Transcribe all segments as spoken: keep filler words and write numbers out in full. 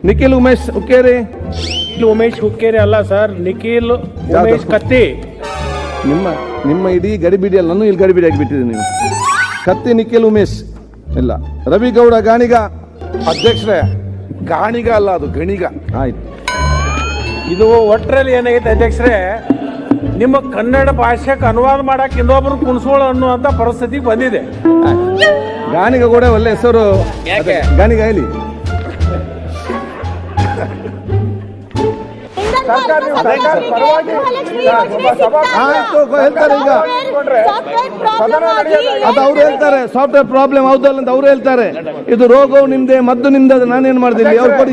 ನಿಖಿಲ್ ಉಮೇಶ್ ಹುಕ್ಕೇರಿ. ನಿಖಿಲ್ ಉಮೇಶ್ ಹುಕ್ಕೇರಿ ಅಲ್ಲ ಸರ್, ನಿಖಿಲ್ ಉಮೇಶ್ ಕತ್ತಿ. ನಿಮ್ಮ ನಿಮ್ಮ ಇಡೀ ಗಡಿಬಿಡಿಯಲ್ಲಿ ನಾನು ಇಲ್ಲಿ ಗಡಿಬಿಡಿ ಆಗಿಬಿಟ್ಟಿದ್ದೀನಿ. ನೀವು ಕತ್ತಿ ನಿಖಿಲ್ ಉಮೇಶ್ ಇಲ್ಲ. ರವಿ ಗೌಡ ಗಾಣಿಗ. ಅಧ್ಯಕ್ಷರೇ, ಗಾಣಿಗ ಅಲ್ಲ, ಅದು ಗಣಿಗ. ಆಯ್ತು. ಇದು ಒಟ್ಟರಲ್ಲಿ ಏನಾಗೈತೆ ಅಧ್ಯಕ್ಷರೇ, ನಿಮ್ಮ ಕನ್ನಡ ಭಾಷೆಗೆ ಅನುವಾದ ಮಾಡಕ್ಕೆ ಇನ್ನೊಬ್ರು ಕುಣಿಸೋಳು ಅನ್ನುವಂಥ ಪರಿಸ್ಥಿತಿಗೆ ಬಂದಿದೆ. ಗಾಣಿಗ ಕೂಡ ಒಳ್ಳೆ ಹೆಸರು. ಗಾಣಿಗ ಹೇಳಿ. ಆಯ್ತು, ಹೇಳ್ತಾರೆ ಈಗ. ಅದು ಅವ್ರು ಹೇಳ್ತಾರೆ ಸಾಫ್ಟ್ವೇರ್ ಪ್ರಾಬ್ಲಮ್ ಹೌದಲ್ಲ ಅಂತ ಅವ್ರು ಹೇಳ್ತಾರೆ. ಇದು ರೋಗವು ನಿಮ್ದೆ, ಮದ್ದು ನಿಮ್ದೆ, ಅದು ನಾನೇನ್ ಮಾಡ್ತೀನಿ. ಅವ್ರು ಕೊಡಿ.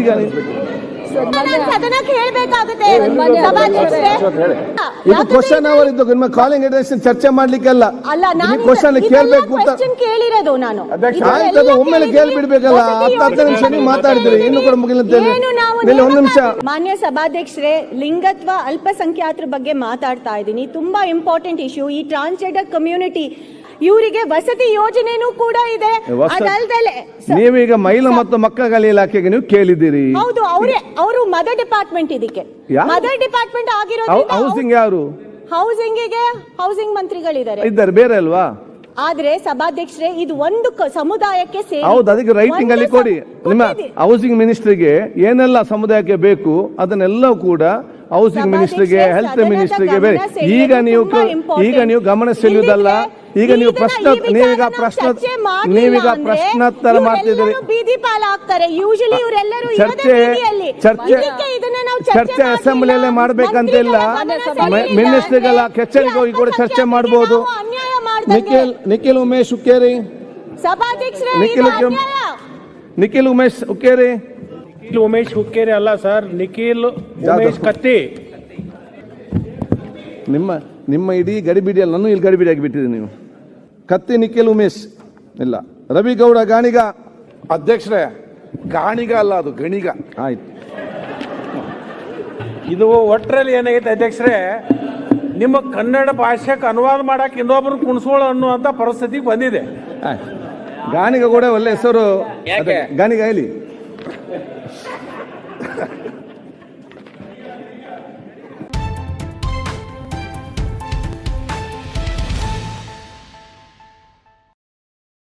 ಇದು ಕ್ವಶನ್ ಅವರ್ ಇದ್ದು ನಿಮ್ಮ ಕಾಲಿಂಗ್ ಅಟೆನ್ಷನ್ ಚರ್ಚೆ ಮಾಡ್ಲಿಕ್ಕೆಲ್ಲ. ಕ್ವಶನ್ ಕೇಳ್ಬೇಕು ಕೇಳಿರೋದು ನಾನು. ಆಯ್ತದ ಒಮ್ಮೆಲೆ ಕೇಳ್ಬಿಡ್ಬೇಕಲ್ಲ. ಹತ್ತು ಹತ್ತು ನಿಮಿಷ ನೀವು ಮಾತಾಡಿದ್ರಿ, ಇನ್ನು ಕೂಡ ಮುಗಿಲ್ಲ. ಒಂದು ನಿಮಿಷ. ಮಾನ್ಯ ಸಭಾಧ್ಯಕ್ಷರೇ, ಲಿಂಗತ್ವ ಅಲ್ಪಸಂಖ್ಯಾತರ ಬಗ್ಗೆ ಮಾತಾಡ್ತಾ ಇದ್ದೀನಿ. ತುಂಬಾ ಇಂಪಾರ್ಟೆಂಟ್ ಇಶ್ಯೂ. ಈ ಟ್ರಾನ್ಸ್ಜೆಂಡರ್ ಕಮ್ಯುನಿಟಿ ಇವರಿಗೆ ವಸತಿ ಯೋಜನೆನೂ ಕೂಡ ಇದೆ. ಅದಲ್ದಲೆ ನೀವೀಗ ಮಹಿಳಾ ಮತ್ತು ಮಕ್ಕಳ ಇಲಾಖೆಗೆ ನೀವು ಕೇಳಿದ್ದೀರಿ. ಹೌದು, ಅವರೇ ಅವರು ಮದರ್ ಡಿಪಾರ್ಟ್ಮೆಂಟ್. ಇದಕ್ಕೆ ಮದರ್ ಡಿಪಾರ್ಟ್ಮೆಂಟ್ ಆಗಿರೋದು. ಹೌಸಿಂಗ್ ಯಾರು? ಹೌಸಿಂಗ್ ಗೆ ಹೌಸಿಂಗ್ ಮಂತ್ರಿಗಳಿದ್ದಾರೆ ಇದ್ದಾರೆ, ಬೇರೆ ಅಲ್ವಾ? ಆದ್ರೆ ಸಭಾಧ್ಯಕ್ಷರೇ, ಇದು ಒಂದು ಸಮುದಾಯಕ್ಕೆ ಸೇರಿ. ಹೌದು, ಅದಕ್ಕೆ ರೈಟಿಂಗ್ ಅಲ್ಲಿ ಕೊಡಿ. ನಿಮ್ಮ ಹೌಸಿಂಗ್ ಮಿನಿಸ್ಟ್ರಿಗೆ ಏನೆಲ್ಲ ಸಮುದಾಯಕ್ಕೆ ಬೇಕು ಅದನ್ನೆಲ್ಲ ಕೂಡ ಹೌಸಿಂಗ್ ಮಿನಿಸ್ಟ್ರಿಗೆ, ಹೆಲ್ತ್ ಮಿನಿಸ್ಟ್ರಿಗೆ ಬೇರೆ. ಈಗ ನೀವು ಈಗ ನೀವು ಗಮನ ಸೆಳೆಯುವುದಲ್ಲ. ಈಗ ನೀವು ಪ್ರಶ್ನೆ ನೀವೀಗ ಪ್ರಶ್ನೆ ನೀವೀಗ ಪ್ರಶ್ನೋತ್ತರ ಮಾಡ್ತಿದ್ದೀರಿ. ಬೀದಿ ಪಾಲಾಗ್ತಾರೆ ಯೂಶಲಿ ಇವರೆಲ್ಲರೂ. ಚರ್ಚೆ ಚರ್ಚೆ ಚರ್ಚೆ ಅಸೆಂಬ್ಲಿಯಲ್ಲೇ ಮಾಡ್ಬೇಕಂತಿಲ್ಲ. ಮಿನಿಸ್ಟ್ರಿಗೆಲ್ಲ ಕೆಚ್ಚಲಿಗೆ ಹೋಗಿ ಕೂಡ ಚರ್ಚೆ ಮಾಡಬಹುದು. ನಿಖಿಲ್ ನಿಖಿಲ್ ಉಮೇಶ್ ಹುಕ್ಕೇರಿ. ಸಭಾಧ್ಯಕ್ಷರೇ, ನಿಖಿಲ್ ನಿಖಿಲ್ ಉಮೇಶ್ ಹುಕ್ಕೇರಿ. ನಿಖಿಲ್ ಉಮೇಶ್ ಹುಕ್ಕೇರಿ ಅಲ್ಲ ಸರ್, ನಿಖಿಲ್ ಉಮೇಶ್ ಕತ್ತಿ. ನಿಮ್ಮ ನಿಮ್ಮ ಇಡೀ ಗಡಿಬಿಡಿಯಲ್ಲಿ ನಾನು ಇಲ್ಲಿ ಗಡಿಬಿಡಿ ಆಗಿಬಿಟ್ಟಿದ್ದೀನಿ. ನೀವು ಕತ್ತಿ ನಿಖಿಲ್ ಉಮೇಶ್ ಇಲ್ಲ. ರವಿ ಗೌಡ ಗಾಣಿಗ. ಅಧ್ಯಕ್ಷರೇ, ಗಾಣಿಗ ಅಲ್ಲ, ಅದು ಗಣಿಗ. ಆಯ್ತು. ಇದು ಒಟ್ಟರಲ್ಲಿ ಏನಾಗೈತೆ ಅಧ್ಯಕ್ಷರೇ, ನಿಮ್ಮ ಕನ್ನಡ ಭಾಷೆಗೆ ಅನುವಾದ ಮಾಡಕ್ಕೆ ಇನ್ನೊಬ್ರು ಕುಣಿಸೋಳು ಅನ್ನುವಂಥ ಪರಿಸ್ಥಿತಿಗೆ ಬಂದಿದೆ. ಗಾಣಿಗ ಕೂಡ ಒಳ್ಳೆ ಹೆಸರು. ಗಾಣಿಗ ಹೇಳಿ.